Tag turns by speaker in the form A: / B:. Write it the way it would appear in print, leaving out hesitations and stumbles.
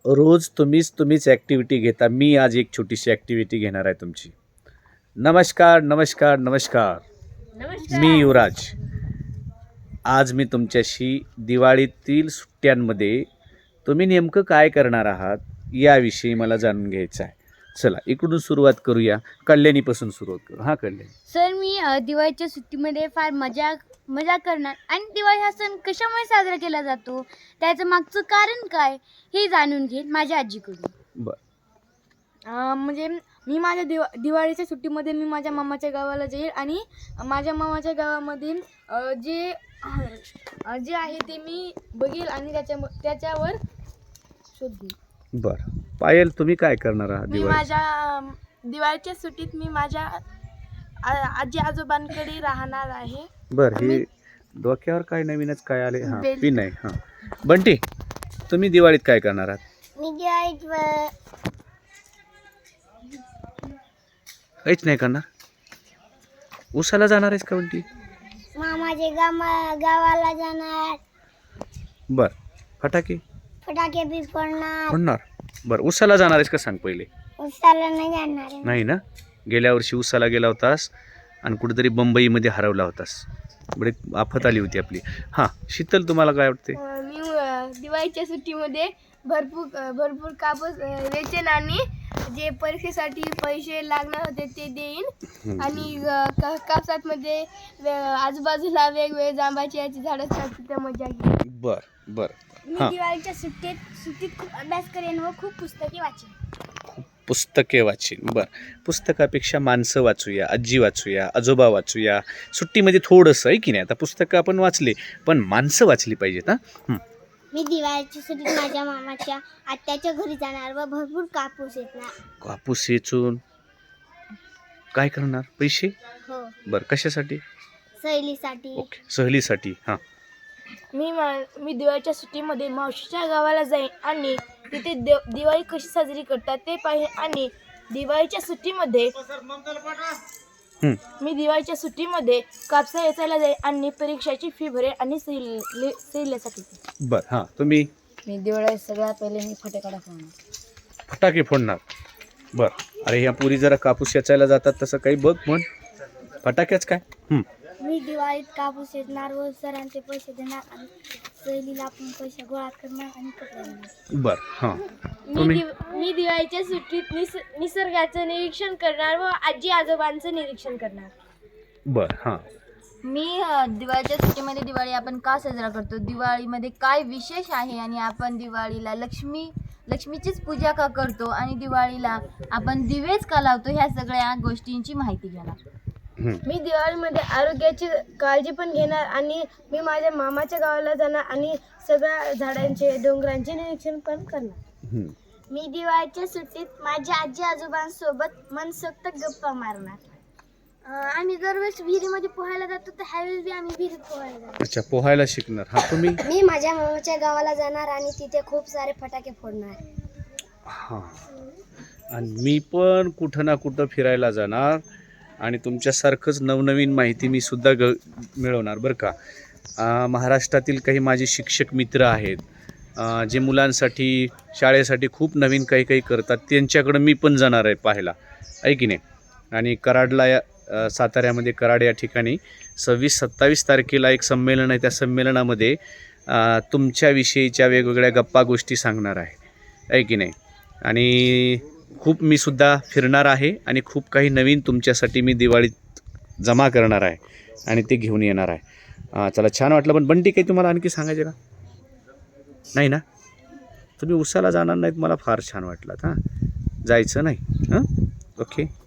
A: रोज तुम्हीच ॲक्टिव्हिटी घेता. मी आज एक छोटीशी ॲक्टिव्हिटी घेणार आहे तुमची. नमस्कार नमस्कार नमस्कार. मी युवराज. आज मी तुमच्याशी दिवाळीतील सुट्ट्यांमध्ये तुम्ही नेमकं काय करणार आहात याविषयी मला जाणून घ्यायचं आहे. चला इकडून सुरुवात करूया. कल्याणीपासून सुरुवात करू. हां कल्याणी.
B: सर, मी दिवाळीच्या सुट्टीमध्ये फार मजा करणार आणि दिवाळी हा सण कशामुळे साजरा केला जातो, त्याचं मागचं कारण काय हे जाणून घेईन माझ्या आजीकडून.
A: बरं.
C: म्हणजे मी माझ्या दिवाळीच्या सुट्टीमध्ये मी माझ्या मामाच्या गावाला जाईल आणि माझ्या मामाच्या गावामधील जे आहे ते मी बघेल आणि त्याच्यावर शोध घेईल.
A: बरं. पायल तुम्ही काय करणार आहात
D: मी
A: दिवाळी?
D: माझ्या दिवाळीच्या सुट्टीत मी माझ्या आजी आजोबांकडे राहणार आहे.
A: बरं. हे डोक्यावर काय नवीनच काय आले? हां पिन आहे. हां बंटी तुम्ही दिवाळीत काय करणार आहात?
B: मी दिवाळीत
A: काहीच नाही करणार. उसाला जाणार आहेस का बंटी?
B: मामाच्या गावाला जाणार,
A: बरं. फटाके
B: फटाके बी
A: फोडणार. बरं. उसाला जाणार आहेस का सांग पहिले?
B: उसाला नाही जाणार.
A: नाही ना. गेल्या वर्षी उसाला गेला होतास आणि कुठेतरी बंबईमध्ये हरवला होतास. बरे आफत आली होती आपली. हां शीतल तुम्हाला काय वाटते?
D: मी दिवाळीच्या सुट्टीमध्ये भरपूर कापूस वेचेन आणि जे परीक्षेसाठी पैसे लागणार होते ते देईन आणि कापसामध्ये आजूबाजूला वेगवेगळे जांबाची याची झाडं असतात तिथं मजा घेईन.
A: बरं बरं.
B: मी
A: हां
B: दिवाळीच्या सुट्टीत खूप अभ्यास करेन व खूप पुस्तके वाचेन.
A: पुस्तके वाचीन. बरं. पुस्तकापेक्षा माणसं वाचूया, आजी वाचूया, आजोबा वाचूया. सुट्टीमध्ये थोडंसं आहे की नाही. आता पुस्तकं आपण वाचले पण माणसं वाचली पाहिजेत. हां
B: मी दिवाळीच्या सुट्टीत माझ्या मामाच्या आत्याच्या घरी जाणार व भरपूर कापूस येणार.
A: कापूस वेचून काय करणार? पैसे?
B: हो,
A: बरं. कशासाठी?
B: सहलीसाठी.
A: ओके सहलीसाठी. हां
D: मी दिवाळीच्या सुट्टीमध्ये मावशीच्या गावाला जाईन आणि तिथे दिवाळी कशी साजरी करतात ते पाहिजे आणि दिवाळीच्या सुट्टीमध्ये कापसा वेचायला जाईल आणि परीक्षाची फी भरेल आणि सहलीसाठी.
A: बरं. हां तुम्ही?
C: मी दिवाळीत सगळ्यात पहिले मी फटाकडा फोडणार.
A: फटाके फोडणार. बरं. अरे ह्या पुरी जरा कापूस याचायला जातात तसं काही बघ म्हण. फटाक्याच काय?
B: मी दिवाळीत कापूस येणार व सरांचे पैसे देणार आणि सहलीला आपण पैसे गोळा करणार आणि कपडे घेणार.
A: बरं. हां तुम्ही?
D: मी दिवाळीच्या सुट्टीत निसर्गाचं निरीक्षण करणार व आजी आजोबांचं निरीक्षण करणार.
A: बरं. हां
E: मी दिवाळीच्या सुट्टीमध्ये दिवाळी आपण का साजरा करतो, दिवाळीमध्ये काय विशेष आहे आणि आपण दिवाळीला लक्ष्मीचीच पूजा का करतो आणि दिवाळीला आपण दिवेच का लावतो, ह्या सगळ्या गोष्टींची माहिती घेणार.
D: मी दिवाळीमध्ये आरोग्याची काळजी पण घेणार आणि मी माझ्या मामाच्या गावाला जाणार आणि सगळ्या झाडांचे डोंगरांचे निरीक्षण पण करणार.
B: मी दिवाळीच्या सुट्टीत माझ्या आजी आजोबांसोबत मनसोक्त गप्पा मारणार. आम्ही दरवेळेस विहिरीमध्ये पोहायला जातो तर ह्यावेळेस बी आम्ही विहिरीत पोहायला जातो.
A: अच्छा पोहायला शिकणार. हां तुम्ही?
B: मी माझ्या मामाच्या गावाला जाणार आणि तिथे खूप सारे फटाके फोडणार.
A: हां आणि मी पण कुठं ना कुठं फिरायला जाणार आणि तुमच्यासारखंच नवनवीन माहिती मी सुद्धा मिळवणार बरं का. महाराष्ट्रातील काही माझे शिक्षक मित्र आहेत जे मुलांसाठी शाळेसाठी खूप नवीन काही करतात. त्यांच्याकडं मी पण जाणार आहे पाहायला, आहे की नाही. आणि कराडला साताऱ्यामध्ये कराड या ठिकाणी 26-27 तारखेला एक संमेलन आहे. त्या संमेलनामध्ये तुमच्याविषयीच्या वेगवेगळ्या गप्पा गोष्टी सांगणार आहे की नाही. आणि खूप मी सुद्धा फिरणार आहे आणि खूप काही नवीन तुमच्यासाठी मी दिवाळीत जमा करणार आहे आणि ते घेऊन येणार आहे. चला छान वाटलं. पण बंटी काही तुम्हाला आणखी सांगायचे का? नाही ना. तुम्ही उसाला जाणार नाहीत मला फार छान वाटलं. हां जायचं नाही. हां ओके.